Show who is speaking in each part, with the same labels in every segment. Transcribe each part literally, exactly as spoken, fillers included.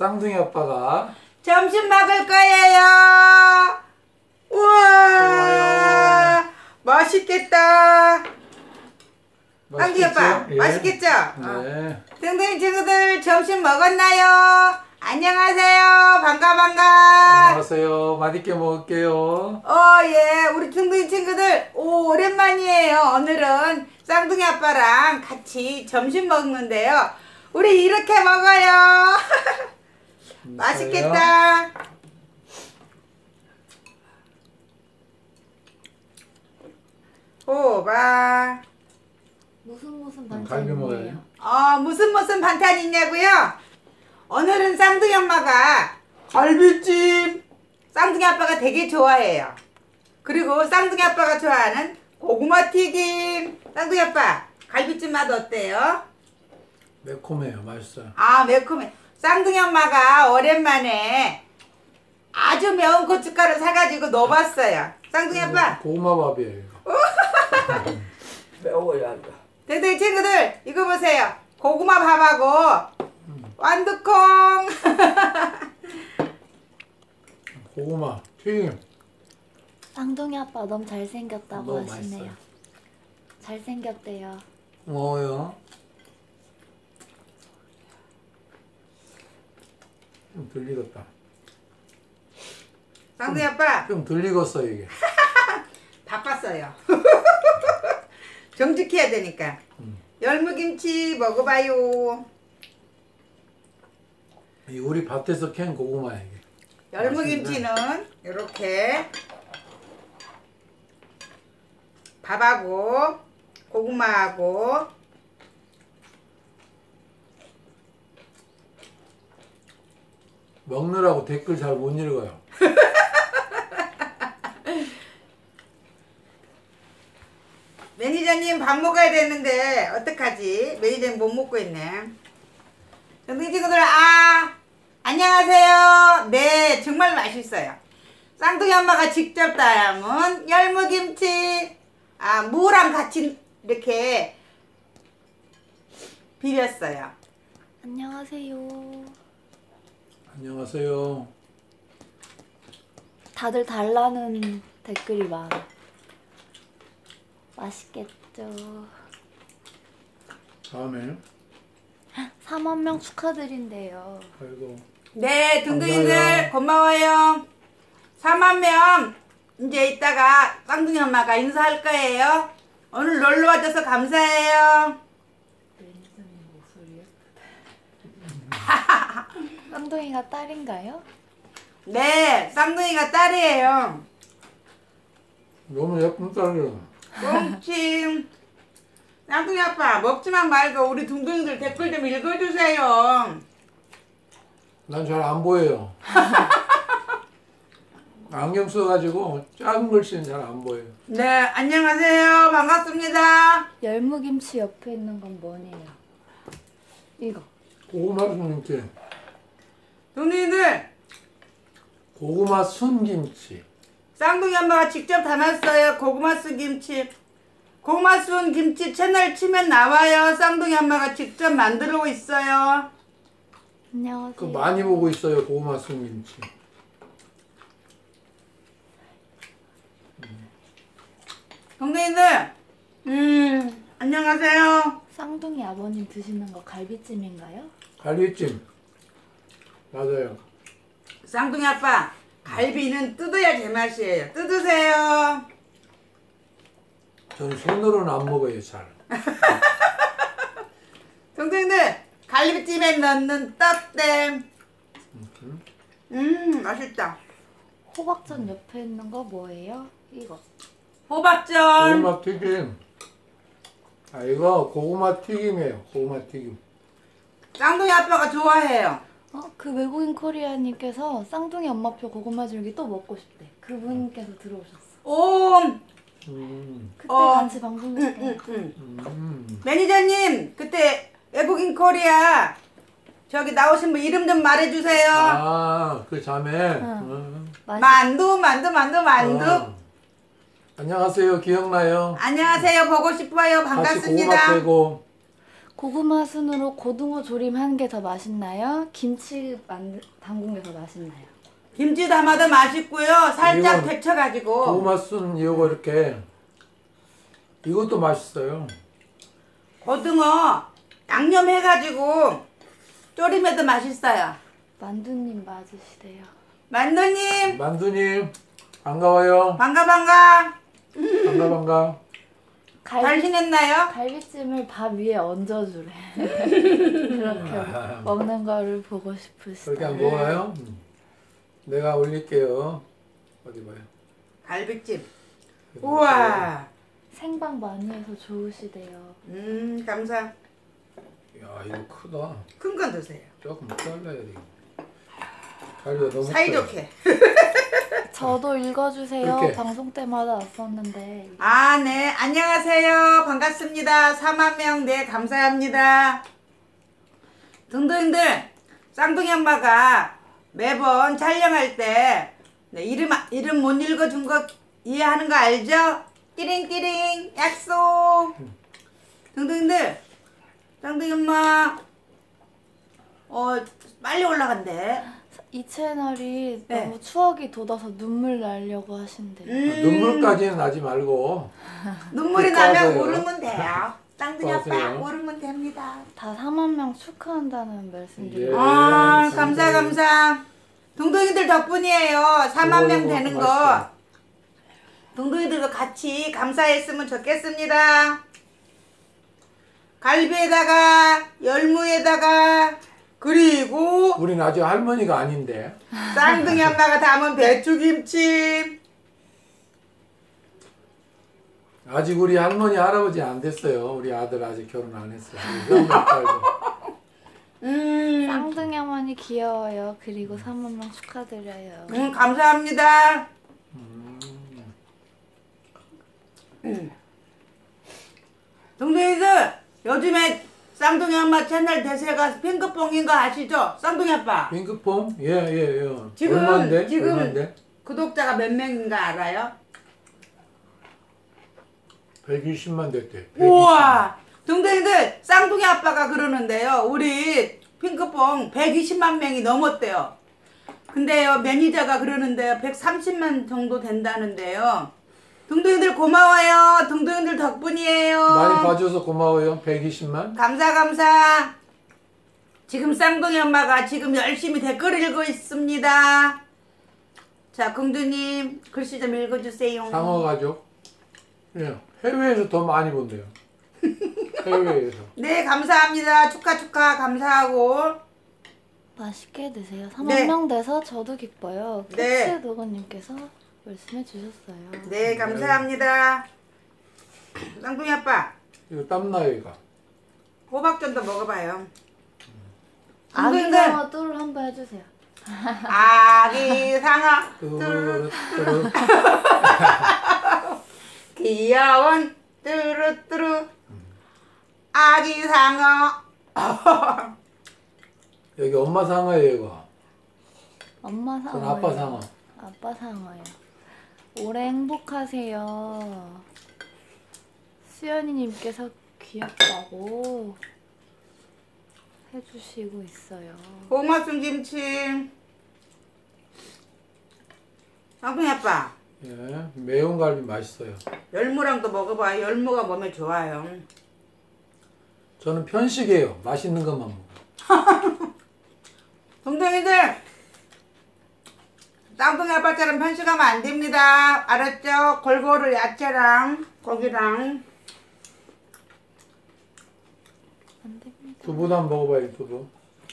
Speaker 1: 쌍둥이 아빠가
Speaker 2: 점심 먹을 거예요. 우와,
Speaker 1: 좋아요.
Speaker 2: 맛있겠다. 쌍둥이 아빠,
Speaker 1: 예.
Speaker 2: 맛있겠죠?
Speaker 1: 네.
Speaker 2: 쌍둥이 친구들 점심 먹었나요? 안녕하세요. 반가 반가.
Speaker 1: 안녕하세요. 맛있게 먹을게요.
Speaker 2: 어, 예. 우리 쌍둥이 친구들, 오, 오랜만이에요. 오늘은 쌍둥이 아빠랑 같이 점심 먹는데요. 우리 이렇게 먹어요. 맛있겠다. 호박.
Speaker 3: 무슨 무슨
Speaker 1: 갈비
Speaker 3: 반찬이에요?
Speaker 1: 먹어요.
Speaker 2: 어, 무슨 무슨 반찬 있냐고요? 오늘은 쌍둥이 엄마가 갈비찜. 쌍둥이 아빠가 되게 좋아해요. 그리고 쌍둥이 아빠가 좋아하는 고구마 튀김. 쌍둥이 아빠, 갈비찜 맛 어때요?
Speaker 1: 매콤해요. 맛있어요.
Speaker 2: 아, 매콤해. 쌍둥이 엄마가 오랜만에 아주 매운 고춧가루 사가지고 넣어봤어요. 쌍둥이 아빠.
Speaker 1: 고구마 밥이에요. 이거.
Speaker 4: 매워야 한다.
Speaker 2: 댕댕이 친구들, 이거 보세요. 고구마 밥하고 완두콩.
Speaker 1: 고구마 튀김.
Speaker 3: 쌍둥이 아빠 너무 잘생겼다고
Speaker 1: 너무
Speaker 3: 하시네요.
Speaker 1: 맛있어요.
Speaker 3: 잘생겼대요.
Speaker 1: 뭐요? 좀 들리겠다.
Speaker 2: 쌍둥이 아빠
Speaker 1: 좀 들리겠어 이게.
Speaker 2: 바빴어요. 정직해야 되니까.
Speaker 1: 음.
Speaker 2: 열무김치 먹어봐요.
Speaker 1: 이 우리 밭에서 캔 고구마야 이게.
Speaker 2: 열무김치는 이렇게 밥하고 고구마하고
Speaker 1: 먹느라고 댓글 잘 못 읽어요.
Speaker 2: 매니저님 밥 먹어야 되는데 어떡하지? 매니저님 못 먹고 있네. 쌍둥이 친구들, 아 안녕하세요. 네, 정말 맛있어요. 쌍둥이 엄마가 직접 담은 열무김치, 아 무랑 같이 이렇게 비볐어요.
Speaker 3: 안녕하세요.
Speaker 1: 안녕하세요.
Speaker 3: 다들 달라는 댓글이 많아. 맛있겠죠.
Speaker 1: 다음에
Speaker 3: 삼만 명 축하드린대요.
Speaker 1: 아이고.
Speaker 2: 네, 둥둥이들
Speaker 1: 감사해요.
Speaker 2: 고마워요. 사만 명 이제 이따가 쌍둥이 엄마가 인사할 거예요. 오늘 놀러 와줘서 감사해요.
Speaker 3: 쌍둥이가 딸인가요?
Speaker 2: 네, 쌍둥이가 딸이에요.
Speaker 1: 너무 예쁜 딸이야.
Speaker 2: 꽁칭. 쌍둥이 아빠 먹지만 말고 우리 둥둥이들 댓글 좀 읽어주세요.
Speaker 1: 난 잘 안 보여요. 안경 써가지고 작은 글씨는 잘 안 보여요.
Speaker 2: 네, 안녕하세요. 반갑습니다.
Speaker 3: 열무김치 옆에 있는 건 뭐네요? 이거.
Speaker 1: 고구마 순김치.
Speaker 2: 둥둥이들
Speaker 1: 고구마 순김치.
Speaker 2: 쌍둥이 엄마가 직접 담았어요. 고구마 순 김치. 고구마 순 김치 채널 치면 나와요. 쌍둥이 엄마가 직접 만들고 있어요.
Speaker 3: 안녕하세요.
Speaker 1: 그 많이 보고 있어요. 고구마 순김치.
Speaker 2: 동생이들, 음, 안녕하세요.
Speaker 3: 쌍둥이 아버님 드시는 거 갈비찜인가요?
Speaker 1: 갈비찜. 맞아요.
Speaker 2: 쌍둥이 아빠, 갈비는 뜯어야 제맛이에요. 뜯으세요.
Speaker 1: 저는 손으로는 안 먹어요, 잘.
Speaker 2: 동생들, 갈비찜에 넣는 떡댐. 음, 맛있다.
Speaker 3: 호박전 옆에 있는 거 뭐예요? 이거.
Speaker 2: 호박전.
Speaker 1: 고구마 튀김. 아, 이거 고구마 튀김이에요. 고구마 튀김.
Speaker 2: 쌍둥이 아빠가 좋아해요.
Speaker 3: 어, 그 외국인 코리아님께서 쌍둥이 엄마표 고구마 줄기 또 먹고 싶대. 그분께서 들어오셨어.
Speaker 2: 오,
Speaker 1: 음,
Speaker 3: 그때
Speaker 2: 어.
Speaker 3: 같이 방송했을
Speaker 2: 응, 응,
Speaker 3: 때.
Speaker 2: 응.
Speaker 1: 음.
Speaker 2: 매니저님, 그때 외국인 코리아 저기 나오신 분 이름 좀 말해주세요.
Speaker 1: 아, 그 자매.
Speaker 3: 응.
Speaker 1: 음.
Speaker 3: 맛있...
Speaker 2: 만두, 만두, 만두, 만두.
Speaker 1: 어. 안녕하세요. 기억나요?
Speaker 2: 안녕하세요. 보고 싶어요.
Speaker 1: 같이 고구마
Speaker 2: 반갑습니다.
Speaker 1: 빼고.
Speaker 3: 고구마 순으로 고등어 조림한 게 더 맛있나요? 김치 만 담근 게 더 맛있나요?
Speaker 2: 김치 담아도 맛있고요. 살짝
Speaker 1: 이건
Speaker 2: 데쳐가지고.
Speaker 1: 고구마 순 이거 이렇게 이것도 맛있어요.
Speaker 2: 고등어 양념해가지고 조림해도 맛있어요.
Speaker 3: 만두님 맞으시대요.
Speaker 2: 만두님
Speaker 1: 만두님 반가워요.
Speaker 2: 반가 반가.
Speaker 1: 반가 반가.
Speaker 3: 갈비,
Speaker 2: 잘 지냈나요?
Speaker 3: 갈비찜을 밥 위에 얹어주래. 그렇게 먹는 거를 보고 싶으시다.
Speaker 1: 그렇게 한번 먹어요. 음. 내가 올릴게요. 어디 봐요.
Speaker 2: 갈비찜. 우와.
Speaker 3: 생방 많이 해서 좋으시대요.
Speaker 2: 음 감사.
Speaker 1: 야 이거 크다.
Speaker 2: 큰 건 드세요.
Speaker 1: 조금 잘라야 돼. 갈비가 너무 커요.
Speaker 2: 사이좋게.
Speaker 3: 저도 읽어주세요.
Speaker 1: 이렇게.
Speaker 3: 방송 때마다 왔었는데.
Speaker 2: 아, 네. 안녕하세요. 반갑습니다. 사만 명, 네, 감사합니다. 등등들, 쌍둥이 엄마가 매번 촬영할 때, 네, 이름, 이름 못 읽어준 거 이해하는 거 알죠? 띠링띠링, 약속. 등등들, 쌍둥이 엄마, 어, 빨리 올라간대.
Speaker 3: 이 채널이
Speaker 2: 네.
Speaker 3: 너무 추억이 돋아서 눈물 나려고 하신대요.
Speaker 2: 음,
Speaker 1: 눈물까지는 나지 말고
Speaker 2: 눈물이
Speaker 1: 좋아하세요.
Speaker 2: 나면 울으면 돼요. 쌍둥이 아빠
Speaker 1: 좋아하세요.
Speaker 2: 울으면 됩니다.
Speaker 3: 다 사만 명 축하한다는 말씀드려요.
Speaker 1: 예.
Speaker 2: 아,
Speaker 1: 네,
Speaker 2: 감사, 감사. 동동이들 덕분이에요. 사만 명
Speaker 1: 이거
Speaker 2: 되는
Speaker 1: 이거
Speaker 2: 거.
Speaker 1: 맛있어요.
Speaker 2: 동동이들도 같이 감사했으면 좋겠습니다. 갈비에다가, 열무에다가, 그리고
Speaker 1: 우린 아직 할머니가 아닌데
Speaker 2: 쌍둥이 엄마가 담은 배추김치.
Speaker 1: 아직 우리 할머니 할아버지 안 됐어요. 우리 아들 아직 결혼 안 했어요. 우리 형님 딸도.
Speaker 2: 음,
Speaker 3: 쌍둥이 어머니 귀여워요. 그리고 사만 명 축하드려요.
Speaker 2: 음 감사합니다. 음. 동동이들, 요즘에 쌍둥이 엄마 채널 대세가 핑크퐁인 거 아시죠? 쌍둥이 아빠.
Speaker 1: 핑크퐁? 예예 예.
Speaker 2: 지금,
Speaker 1: 얼마인데?
Speaker 2: 지금
Speaker 1: 얼마인데?
Speaker 2: 구독자가 몇 명인가 알아요?
Speaker 1: 백이십만 됐대.
Speaker 2: 우와! 동생들, 쌍둥이 아빠가 그러는데요. 우리 핑크퐁 백이십만 명이 넘었대요. 근데요, 매니저가 그러는데요. 백삼십만 정도 된다는데요. 동동이들 고마워요. 동동이들 덕분이에요.
Speaker 1: 많이 봐줘서 고마워요. 백이십만.
Speaker 2: 감사 감사. 지금 쌍둥이 엄마가 지금 열심히 댓글 읽고 있습니다. 자, 공주님 글씨 좀 읽어주세요.
Speaker 1: 상어 가족. 예. 해외에서 더 많이 본대요. 해외에서.
Speaker 2: 네, 감사합니다. 축하 축하 감사하고.
Speaker 3: 맛있게 드세요. 사만
Speaker 2: 네.
Speaker 3: 명 돼서 저도 기뻐요.
Speaker 2: 네.
Speaker 3: 캐츠 도건님께서 말씀해 주셨어요.
Speaker 2: 네, 감사합니다. 쌍둥이 아빠,
Speaker 1: 이거 땀나요 이거.
Speaker 2: 호박전도 먹어봐요.
Speaker 3: 아기
Speaker 2: 동생들,
Speaker 3: 상어 뚜를 한번 해주세요.
Speaker 2: 아기 상어, 뚜루,
Speaker 1: 뚜루뚜루.
Speaker 2: 귀여운 뚜루뚜루, 아기 상어.
Speaker 1: 여기 엄마 상어예요 이거.
Speaker 3: 엄마
Speaker 1: 전
Speaker 3: 상어요.
Speaker 1: 아빠 상어.
Speaker 3: 아빠 상어요. 올해 행복하세요. 수연이님께서 귀엽다고 해주시고 있어요.
Speaker 2: 고마순 김치. 쌍둥이 아빠,
Speaker 1: 예. 매운 갈비 맛있어요.
Speaker 2: 열무랑도 먹어봐요. 열무가 몸에 좋아요.
Speaker 1: 저는 편식이에요. 맛있는 것만 먹어요.
Speaker 2: 동생이들, 쌍둥이 아빠처럼 편식하면 안 됩니다. 알았죠? 골고루 야채랑 고기랑.
Speaker 3: 안 됩니다.
Speaker 1: 두부도 한번 먹어봐요. 두부.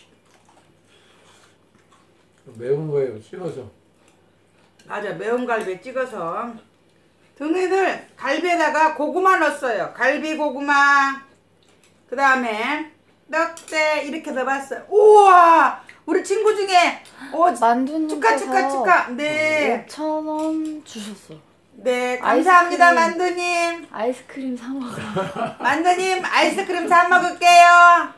Speaker 1: 매운 거예요. 찍어서.
Speaker 2: 맞아, 매운 갈비에 찍어서. 동생이들, 갈비에다가 고구마 넣었어요. 갈비 고구마. 그 다음에 떡대 이렇게 넣어봤어요. 우와! 우리 친구 중에 오,
Speaker 3: 만두님께서
Speaker 2: 축하 축하 축하. 네.
Speaker 3: 오천 원 주셨어.
Speaker 2: 네, 감사합니다.
Speaker 3: 아이스크림.
Speaker 2: 만두님.
Speaker 3: 아이스크림 사 먹으러.
Speaker 2: 만두님 아이스크림 사 먹을게요.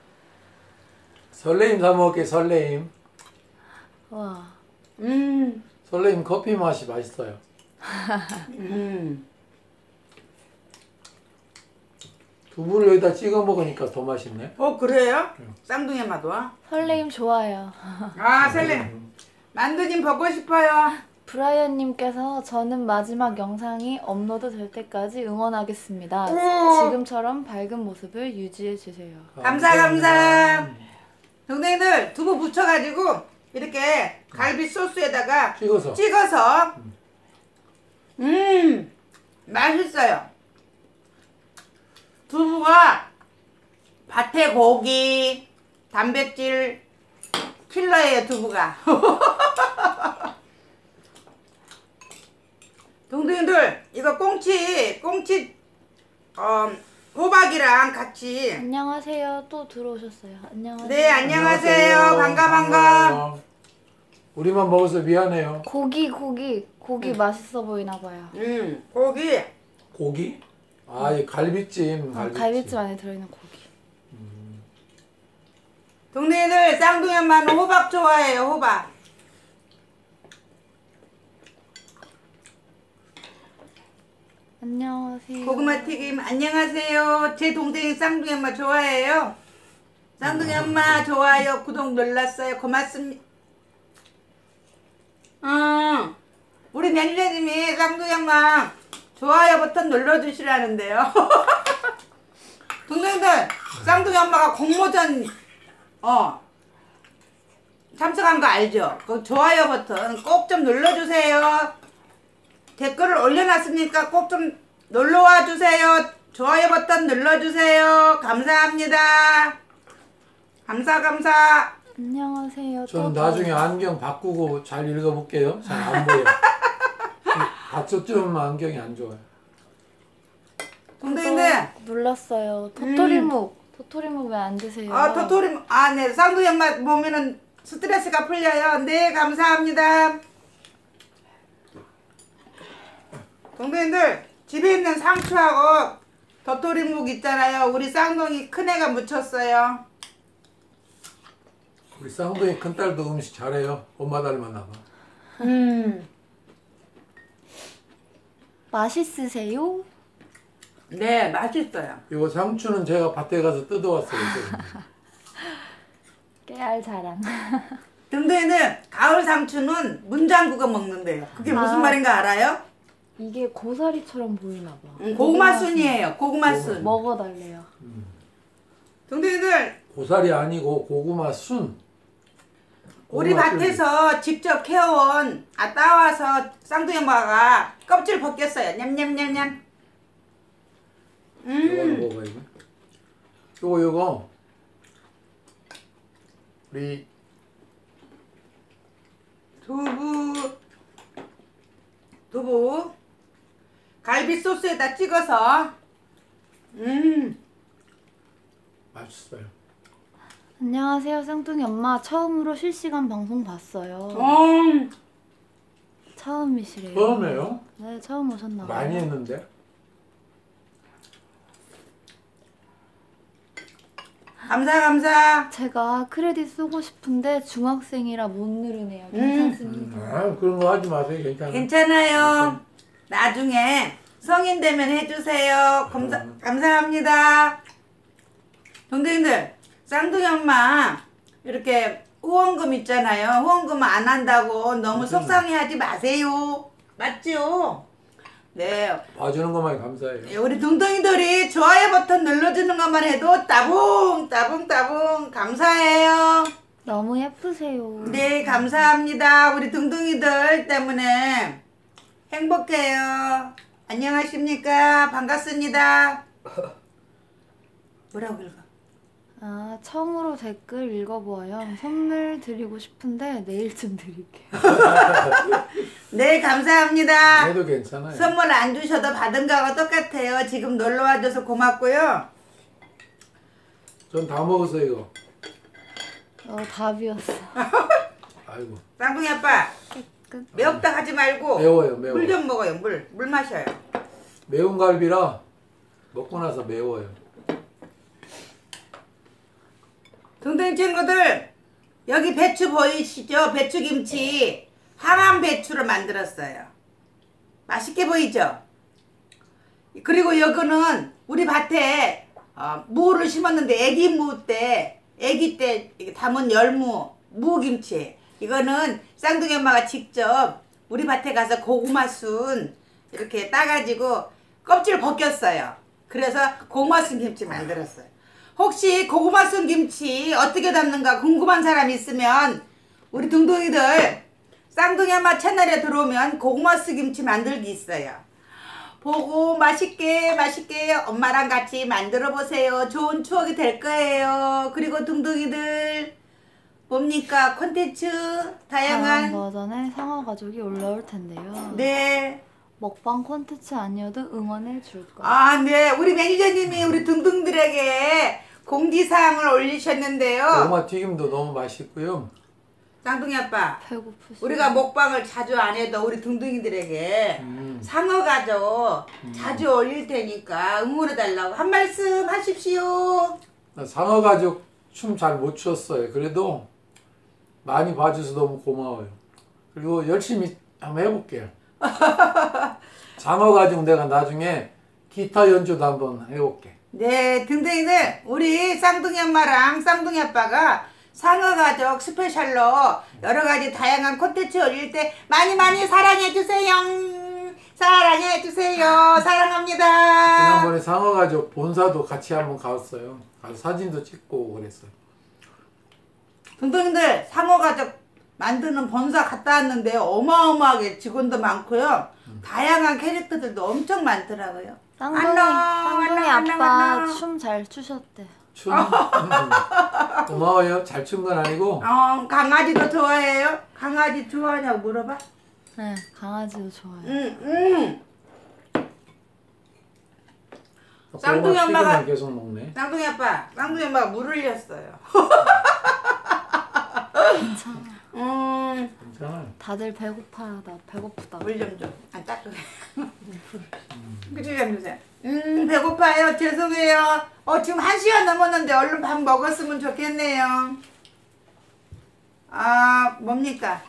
Speaker 1: 설레임 사 먹을게. 설레임.
Speaker 3: 와.
Speaker 2: 음.
Speaker 1: 설레임 커피 맛이 맛있어요.
Speaker 2: 음.
Speaker 1: 두부를 여기다 찍어 먹으니까 더 맛있네.
Speaker 2: 어 그래요?
Speaker 1: 응.
Speaker 2: 쌍둥이 엄마도?
Speaker 3: 설레임 좋아요.
Speaker 2: 아 셀레 만두님 보고 싶어요.
Speaker 3: 브라이언님께서 저는 마지막 영상이 업로드 될 때까지 응원하겠습니다.
Speaker 2: 오.
Speaker 3: 지금처럼 밝은 모습을 유지해 주세요.
Speaker 2: 감사 감사. 동생들 두부 부쳐가지고 이렇게 갈비 소스에다가
Speaker 1: 찍어서.
Speaker 2: 찍어서 음 맛있어요. 두부가 밭의 고기 단백질 킬러예요 두부가. 동생들 이거 꽁치 꽁치 어, 호박이랑 같이.
Speaker 3: 안녕하세요. 또 들어오셨어요. 안녕하세요.
Speaker 2: 네 안녕하세요. 반가 반가.
Speaker 1: 반가워요. 우리만 먹어서 미안해요.
Speaker 3: 고기 고기 고기 맛있어 보이나 봐요.
Speaker 2: 음 고기
Speaker 1: 고기? 아, 이 갈비찜.
Speaker 3: 아,
Speaker 1: 갈비찜.
Speaker 3: 갈비찜 안에 들어있는 고기.
Speaker 2: 동네들 쌍둥이 엄마는 호박 좋아해요 호박.
Speaker 3: 안녕하세요.
Speaker 2: 고구마 튀김 안녕하세요. 제 동생이 쌍둥이 엄마 좋아해요. 쌍둥이 엄마 좋아요 구독 눌렀어요 고맙습니다. 음, 우리 매니저님이 쌍둥이 엄마 좋아요 버튼 눌러주시라는데요. 동생들 쌍둥이 엄마가 공모전 어 참석한 거 알죠? 그 좋아요 버튼 꼭 좀 눌러주세요. 댓글을 올려놨으니까 꼭 좀 놀러와 주세요. 좋아요 버튼 눌러주세요. 감사합니다. 감사 감사.
Speaker 3: 안녕하세요.
Speaker 1: 저는
Speaker 3: 또
Speaker 1: 나중에
Speaker 3: 들어오셨어요.
Speaker 1: 안경 바꾸고 잘 읽어볼게요. 잘 안 보여. 다초점 안경이 안 좋아요.
Speaker 2: 동생들
Speaker 3: 또 눌렀어요. 도토리묵. 도토리묵 왜 안 드세요?
Speaker 2: 아 도토리 아네 쌍둥이 엄마 보면은 스트레스가 풀려요. 네 감사합니다. 동생들 집에 있는 상추하고 도토리묵 있잖아요. 우리 쌍둥이 큰애가 묻혔어요.
Speaker 1: 우리 쌍둥이 큰딸도 음식 잘해요. 엄마 닮았나 봐.
Speaker 2: 음.
Speaker 3: 맛있으세요?
Speaker 2: 네 맛있어요.
Speaker 1: 이거 상추는 제가 밭에 가서 뜯어왔어요.
Speaker 3: 깨알 자랑.
Speaker 2: 동생이는 가을 상추는 문장구가 먹는데요. 그게 무슨
Speaker 3: 아.
Speaker 2: 말인가 알아요?
Speaker 3: 이게 고사리처럼 보이나 봐.
Speaker 2: 음, 고구마 순이에요. 고구마 순.
Speaker 3: 먹어달래요.
Speaker 2: 동생이들
Speaker 1: 고사리 아니고 고구마 순.
Speaker 2: 우리
Speaker 1: 고구마
Speaker 2: 밭에서 직접 캐온 아 따와서 쌍둥이 엄마가 껍질 벗겼어요. 냠냠냠냠.
Speaker 1: 술. 이거
Speaker 2: 음.
Speaker 1: 먹어 이거. 요거 요거. 우리
Speaker 2: 두부 두부 갈비 소스에다 찍어서 음
Speaker 1: 맛있어요.
Speaker 3: 안녕하세요. 쌍둥이 엄마. 처음으로 실시간 방송 봤어요.
Speaker 2: 음.
Speaker 3: 처음이시래요.
Speaker 1: 처음이에요?
Speaker 3: 네, 처음 오셨나 봐요.
Speaker 1: 많이 했는데.
Speaker 2: 감사 감사.
Speaker 3: 제가 크레딧 쏘고 싶은데 중학생이라 못 누르네요.
Speaker 2: 음.
Speaker 3: 괜찮습니다.
Speaker 1: 아 그런 거 하지 마세요. 괜찮아요.
Speaker 2: 괜찮아요. 나중에 성인 되면 해주세요. 감사,
Speaker 1: 음.
Speaker 2: 감사합니다. 동생들, 쌍둥이 엄마 이렇게 후원금 있잖아요. 후원금 안 한다고 너무 속상해하지 마세요. 맞죠? 네.
Speaker 1: 봐주는 것만 감사해요.
Speaker 2: 우리 동동이들이 좋아요 버튼 눌러주는 것만 해도 따봉 따봉 따봉 감사해요.
Speaker 3: 너무 예쁘세요.
Speaker 2: 네 감사합니다. 우리 둥둥이들 때문에 행복해요. 안녕하십니까 반갑습니다. 뭐라고 읽어?
Speaker 3: 아, 처음으로 댓글 읽어보아요. 선물 드리고 싶은데 내일쯤 드릴게요.
Speaker 2: 네 감사합니다.
Speaker 1: 해도 괜찮아요.
Speaker 2: 선물 안 주셔도 받은 거하고 똑같아요. 지금 놀러 와줘서 고맙고요.
Speaker 1: 전 다 먹었어 이거.
Speaker 3: 어, 답이었어.
Speaker 1: 아이고.
Speaker 2: 쌍둥이 아빠
Speaker 3: 끝.
Speaker 2: 매웠다 하지 말고
Speaker 1: 매워요 매워.
Speaker 2: 물 좀 먹어요. 물. 물 마셔요.
Speaker 1: 매운 갈비라 먹고 나서 매워요.
Speaker 2: 동생 친구들 여기 배추 보이시죠? 배추김치 항암 배추를 만들었어요. 맛있게 보이죠? 그리고 여기는 우리 밭에 어, 무를 심었는데 애기 무 때, 애기 때 담은 열무, 무김치. 이거는 쌍둥이 엄마가 직접 우리 밭에 가서 고구마 순 이렇게 따가지고 껍질 벗겼어요. 그래서 고구마 순 김치 만들었어요. 혹시 고구마 순 김치 어떻게 담는가 궁금한 사람 있으면 우리 둥둥이들 쌍둥이 엄마 채널에 들어오면 고구마 순 김치 만들기 있어요. 보고 맛있게 맛있게 엄마랑 같이 만들어 보세요. 좋은 추억이 될 거예요. 그리고 둥둥이들 뭡니까 콘텐츠
Speaker 3: 다양한
Speaker 2: 다양한
Speaker 3: 버전의 상어 가족이 올라올 텐데요.
Speaker 2: 네.
Speaker 3: 먹방 콘텐츠 아니어도 응원해 줄 거예요.
Speaker 2: 아, 네. 우리 매니저님이 우리 둥둥들에게 공지사항을 올리셨는데요.
Speaker 1: 고구마 튀김도 너무 맛있고요.
Speaker 2: 쌍둥이 아빠,
Speaker 3: 배고프시.
Speaker 2: 우리가 먹방을 자주 안 해도 우리 둥둥이들에게
Speaker 1: 음.
Speaker 2: 상어 가족 자주 올릴 테니까 응원해달라고 한 말씀 하십시오.
Speaker 1: 상어 가족 춤 잘 못 췄어요. 그래도 많이 봐줘서 너무 고마워요. 그리고 열심히 한번 해볼게요. 상어 가족 내가 나중에 기타 연주도 한번 해볼게.
Speaker 2: 네, 둥둥이들 우리 쌍둥이 엄마랑 쌍둥이 아빠가 상어 가족 스페셜로 여러 가지 다양한 콘텐츠 올릴 때 많이 많이 사랑해 주세요. 사랑해 주세요. 사랑합니다.
Speaker 1: 지난번에 상어 가족 본사도 같이 한번 갔어요. 가서 사진도 찍고 그랬어요.
Speaker 2: 둥둥이들 상어 가족 만드는 본사 갔다 왔는데 어마어마하게 직원도 많고요. 다양한 캐릭터들도 엄청 많더라고요.
Speaker 3: 쌍둥이,
Speaker 2: 안녕,
Speaker 3: 쌍둥이
Speaker 2: 안녕,
Speaker 3: 아빠
Speaker 2: 안녕.
Speaker 3: 춤 잘 추셨대.
Speaker 1: 춤 음. 고마워요. 잘 춘 건 아니고
Speaker 2: 어, 강아지도 좋아해요? 강아지 좋아하냐고 물어봐.
Speaker 3: 네, 강아지도 좋아요.
Speaker 2: 응, 응.
Speaker 1: 고구마
Speaker 2: 쌍둥이 엄마가-
Speaker 1: 튀김만 계속 먹네.
Speaker 2: 쌍둥이 아빠, 쌍둥이 엄마가 물 흘렸어요.
Speaker 3: 괜찮아.
Speaker 2: 음,
Speaker 1: 괜찮아.
Speaker 3: 다들 배고파하다. 배고프다.
Speaker 2: 물 좀 줘. 안 따뜻해. 그치, 좀 주세요. 음, 배고파요. 죄송해요. 어, 지금 한 시간 넘었는데 얼른 밥 먹었으면 좋겠네요. 아, 뭡니까?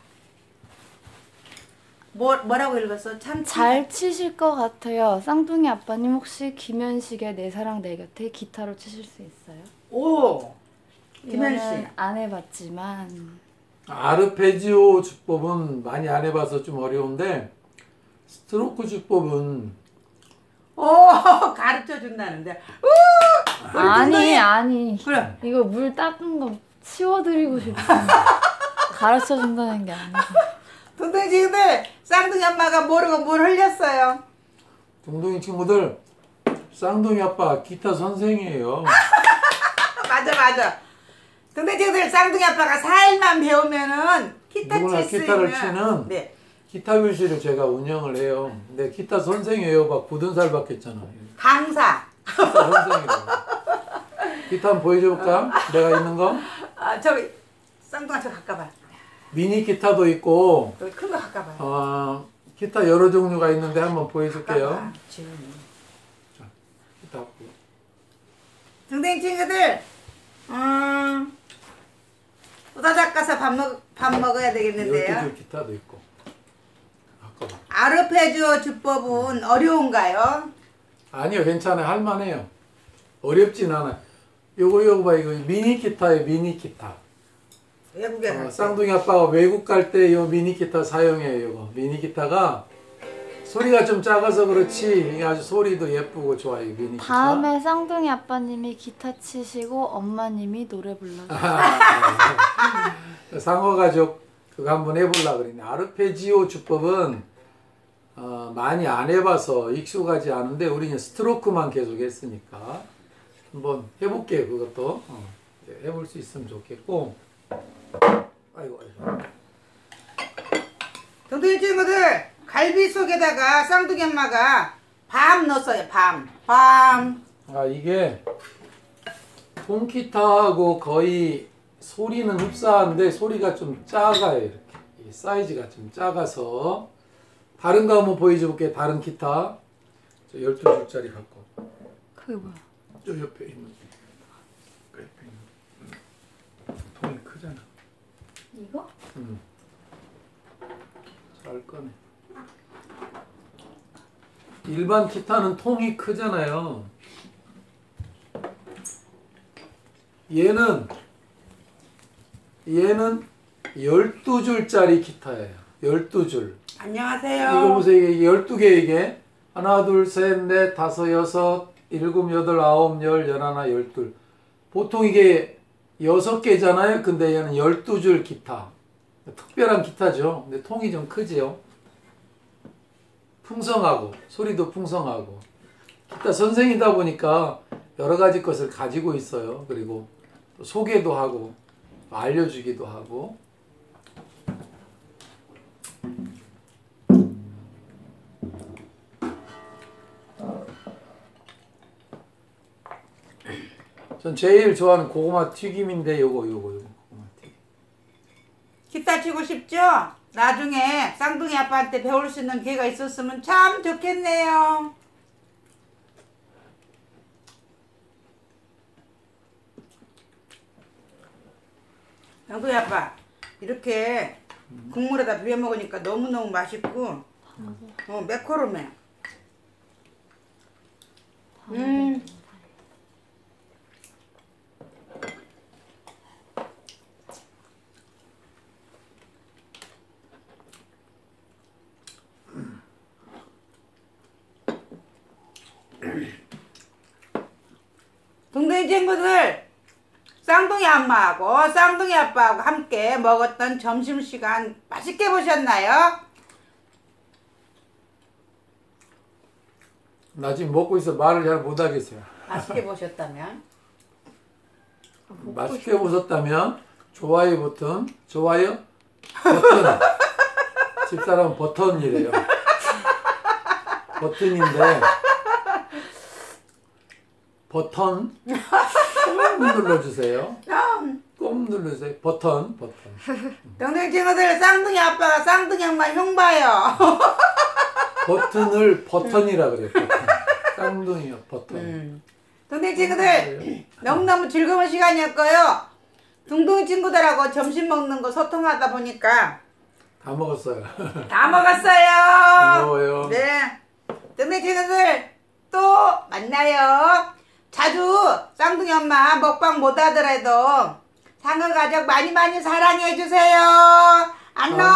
Speaker 2: 뭐, 뭐라고 읽었어? 참,
Speaker 3: 잘 치실 것 같아요. 쌍둥이 아빠님 혹시 김현식의 내 사랑 내 곁에 기타로 치실 수 있어요?
Speaker 2: 오! 김현식.
Speaker 3: 이거는 안 해봤지만
Speaker 1: 아르페지오 주법은 많이 안 해봐서 좀 어려운데 스트로크 주법은
Speaker 2: 오! 가르쳐 준다는데. 우! 우리
Speaker 3: 아니
Speaker 2: 둥둥이.
Speaker 3: 아니
Speaker 2: 그래.
Speaker 3: 이거 물 닦은 거 치워드리고 싶어. 가르쳐 준다는 게 아니고.
Speaker 2: 둥둥이 친구들, 쌍둥이 엄마가 모르고 물 흘렸어요.
Speaker 1: 둥둥이 친구들 쌍둥이 아빠 기타 선생이에요.
Speaker 2: 맞아, 맞아. 둥둥이 친구들, 쌍둥이 아빠가 사 일만 배우면은 기타
Speaker 1: 누구나
Speaker 2: 칠 수
Speaker 1: 기타를
Speaker 2: 있는.
Speaker 1: 치는
Speaker 2: 네.
Speaker 1: 기타 교실을 제가 운영을 해요. 근데 기타 선생이에요. 막 굳은 살 받겠잖아.
Speaker 2: 강사.
Speaker 1: 기타 선생이라고. 기타 한번 보여줄까? 내가 있는 거?
Speaker 2: 아, 저기, 쌍둥아 저 가까봐.
Speaker 1: 미니 기타도 있고
Speaker 2: 여기 큰 거 가까봐.
Speaker 1: 어, 기타 여러 종류가 있는데 한번 보여줄게요. 자, 기타 갖고.
Speaker 2: 둥둥이 친구들, 음, 우다닥 가서 밥 먹, 밥 먹어야 되겠는데요.
Speaker 1: 열두 줄 기타도 있고. 아까
Speaker 2: 아르페지오 주법은 어려운가요?
Speaker 1: 아니요, 괜찮아요. 할만해요. 어렵진 않아요. 요거 요거 봐, 이거 미니 기타예요. 미니 기타.
Speaker 2: 외국에
Speaker 1: 어,
Speaker 2: 갈 때.
Speaker 1: 쌍둥이 아빠가 외국 갈 때 요 미니 기타 사용해요. 요거 미니 기타가 소리가 좀 작아서 그렇지 이게 아주 소리도 예쁘고 좋아요. 이 미니 기타.
Speaker 3: 다음에 쌍둥이 아빠님이 기타 치시고 엄마님이 노래 불러주세요.
Speaker 1: 아, 상어 가족 그거 한번 해보려고 그랬네. 아르페지오 주법은 어, 많이 안 해봐서 익숙하지 않은데 우리는 스트로크만 계속 했으니까 한번 해볼게요. 그것도 어, 해볼 수 있으면 좋겠고. 아이고 아이고.
Speaker 2: 둥둥이 친구들, 갈비 속에다가 쌍둥이 엄마가 밤 넣었어요. 밤. 밤.
Speaker 1: 아 이게 통기타하고 거의 소리는 흡사한데 소리가 좀 작아요. 이렇게 이 사이즈가 좀 작아서 다른 거 한번 보여줄게. 다른 기타 저 열두 줄짜리 갖고
Speaker 3: 그게 뭐야?
Speaker 1: 저 옆에 있는 그 옆에 있는 음, 통이 크잖아.
Speaker 3: 이거?
Speaker 1: 음. 잘 꺼내. 일반 기타는 통이 크잖아요. 얘는 얘는 열두 줄짜리 기타예요. 열두 줄.
Speaker 2: 안녕하세요.
Speaker 1: 이거 보세요. 이게 열두 개 이게. 하나, 둘, 셋, 넷, 다섯, 여섯, 일곱, 여덟, 아홉, 열, 열하나, 열둘. 보통 이게 여섯 개잖아요. 근데 얘는 열두 줄 기타. 특별한 기타죠. 근데 통이 좀 크지요. 풍성하고, 소리도 풍성하고. 기타 선생이다 보니까 여러 가지 것을 가지고 있어요. 그리고 또 소개도 하고, 알려주기도 하고. 전 제일 좋아하는 고구마 튀김인데 요거 요거 요거 고구마 튀김.
Speaker 2: 기타 치고 싶죠? 나중에 쌍둥이 아빠한테 배울 수 있는 기회가 있었으면 참 좋겠네요. 쌍둥이 아빠 이렇게 국물에다 비벼 먹으니까 너무너무 맛있고 어, 매콤해. 음. 동네 친구들, 쌍둥이 엄마하고 쌍둥이 아빠하고 함께 먹었던 점심시간 맛있게 보셨나요?
Speaker 1: 나 지금 먹고 있어 말을 잘 못하겠어요.
Speaker 2: 맛있게 보셨다면
Speaker 1: 맛있게 보셨다면 좋아요 버튼, 좋아요 버튼. 집사람은 버튼이래요. 버튼인데 버튼 꼭 눌러주세요. 꼭 눌러주세요. 버튼 버튼.
Speaker 2: 동네 친구들, 쌍둥이 아빠가 쌍둥이 엄마 흉 봐요.
Speaker 1: 버튼을 버튼이라 그래요. 버튼. 쌍둥이요 버튼.
Speaker 2: 음. 동네 친구들, 너무너무 즐거운 시간이었고요. 둥둥이 친구들하고 점심 먹는 거 소통하다 보니까
Speaker 1: 다 먹었어요.
Speaker 2: 다 먹었어요.
Speaker 1: 고마워요.
Speaker 2: 네. 동네 친구들 또 만나요. 자주 쌍둥이 엄마 먹방 못 하더라도 상어 가족 많이 많이 사랑해 주세요. 안녕.